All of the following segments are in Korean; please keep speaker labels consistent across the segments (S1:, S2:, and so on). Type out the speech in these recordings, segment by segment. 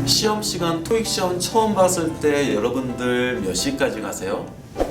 S1: 시험 시간 토익 시험 처음 봤을 때 여러분들 몇 시까지 가세요?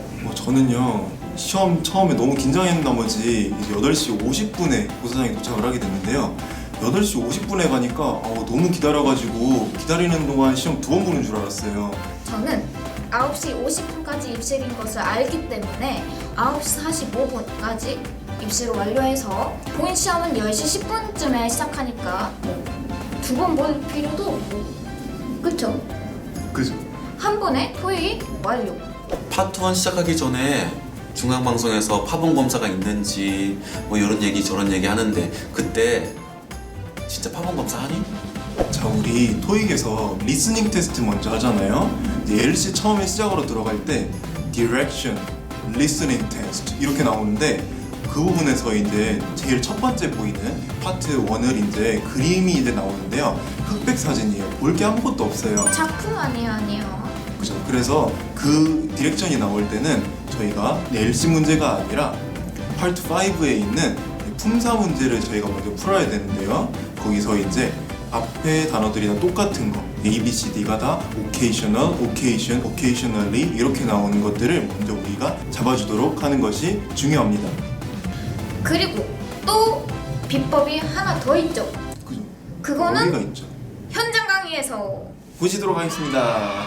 S2: 저는요 시험 처음에 너무 긴장했는 나머지 이제 8시 50분에 고사장에 도착을 하게 됐는데요 8시 50분에 가니까 너무 기다려가지고 기다리는 동안 시험 2번 보는 줄 알았어요.
S3: 저는 9시 50분까지 입실인 것을 알기 때문에 9시 45분까지 입실을 완료해서 본인 시험은 10시 10분쯤에 시작하니까 2번 볼 필요도 없고 그쵸?
S2: 그죠?
S3: 한 번에 토익 완료.
S1: 파트 1 시작하기 전에 중앙방송에서 파본 검사가 있는지 뭐 이런 얘기 저런 얘기 하는데 그때 진짜 파본 검사 하니?
S2: 자, 우리 토익에서 리스닝 테스트 먼저 하잖아요. 이제 LC 처음에 시작으로 들어갈 때 Direction, Listening Test 이렇게 나오는데 그 부분에서 이제 제일 첫 번째 보이는 파트 1을 이제 그림이 이제 나오는데요. 흑백 사진이에요. 볼 게 아무것도 없어요.
S3: 작품 아니에요.
S2: 그죠? 그래서 그 디렉션이 나올 때는 저희가 LC 문제가 아니라 파트 5에 있는 품사 문제를 저희가 먼저 풀어야 되는데요. 거기서 이제 앞에 단어들이 다 똑같은 거 A, B, C, D가 다 occasional, occasion, occasionally 이렇게 나오는 것들을 먼저 우리가 잡아주도록 하는 것이 중요합니다.
S3: 그리고 또 비법이 하나 더 있죠.
S2: 그죠?
S3: 그거는
S2: 어디가 있죠?
S3: 현장 강의에서
S2: 보시도록 하겠습니다.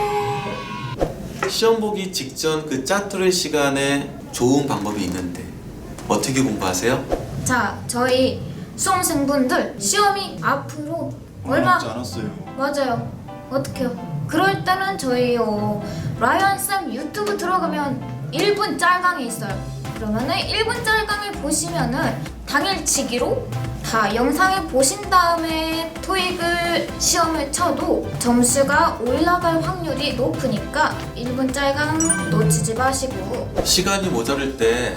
S3: 고고.
S1: 시험 보기 직전 그 짜투리 시간에 좋은 방법이 있는데 어떻게 공부하세요?
S3: 자, 저희 수험생분들 시험이 앞으로 얼마
S2: 남지 않았어요.
S3: 맞아요. 어떡해요? 그럴 때는 저희 라이언쌤 유튜브 들어가면 1분 짤강이 있어요. 그러면은 1분 짤강을 보시면은 당일치기로 다 영상을 보신 다음에 토익을 시험을 쳐도 점수가 올라갈 확률이 높으니까 1분 짤강 놓치지 마시고.
S1: 시간이 모자랄 때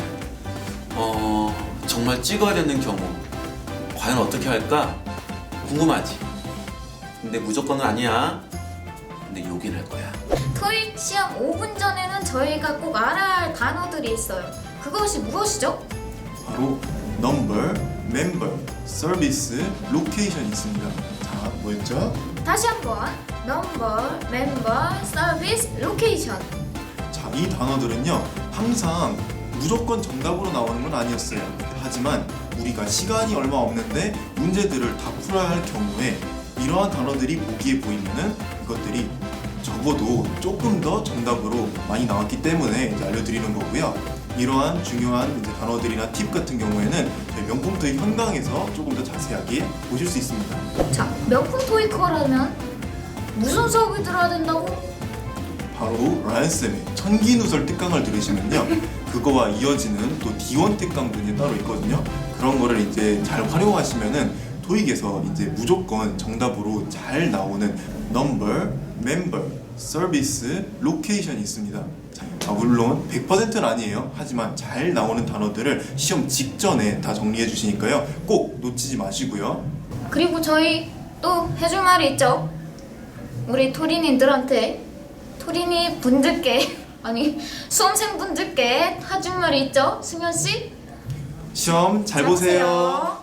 S1: 정말 찍어야 되는 경우 과연 어떻게 할까? 궁금하지? 근데 무조건은 아니야. 근데 요긴 할 거야.
S3: 토익 시험 5분 전에는 저희가 꼭 알아야 할 단어들이 있어요. 그것이 무엇이죠?
S2: 바로 number, member, service, location 있습니다. 자, 뭐였죠?
S3: 다시 한번 넘버, 멤버, 서비스, 로케이션.
S2: 자, 이 단어들은요 항상 무조건 정답으로 나오는 건 아니었어요. 하지만 우리가 시간이 얼마 없는데 문제들을 다 풀어야 할 경우에 이러한 단어들이 보기에 보이면은 이것들이 적어도 조금 더 정답으로 많이 나왔기 때문에 이제 알려드리는 거고요. 이러한 중요한 이제 단어들이나 팁 같은 경우에는 저희 명품 토익 현강에서 조금 더 자세하게 보실 수 있습니다.
S3: 자, 명품 토익커라면 무슨 수업을 들어야 된다고?
S2: 바로 라이언쌤의 천기누설 특강을 들으시면요 그거와 이어지는 또 D1 특강도 이제 따로 있거든요. 그런 거를 이제 잘 활용하시면은 토익에서 이제 무조건 정답으로 잘 나오는 number, member, service, location이 있습니다. 자, 물론 100%는 아니에요. 하지만 잘 나오는 단어들을 시험 직전에 다 정리해 주시니까요 꼭 놓치지 마시고요.
S3: 그리고 저희 또 해줄 말이 있죠. 우리 토린이들한테 토린이 분들께 아니 수험생분들께 해줄 말이 있죠. 승현 씨?
S2: 시험 잘 보세요.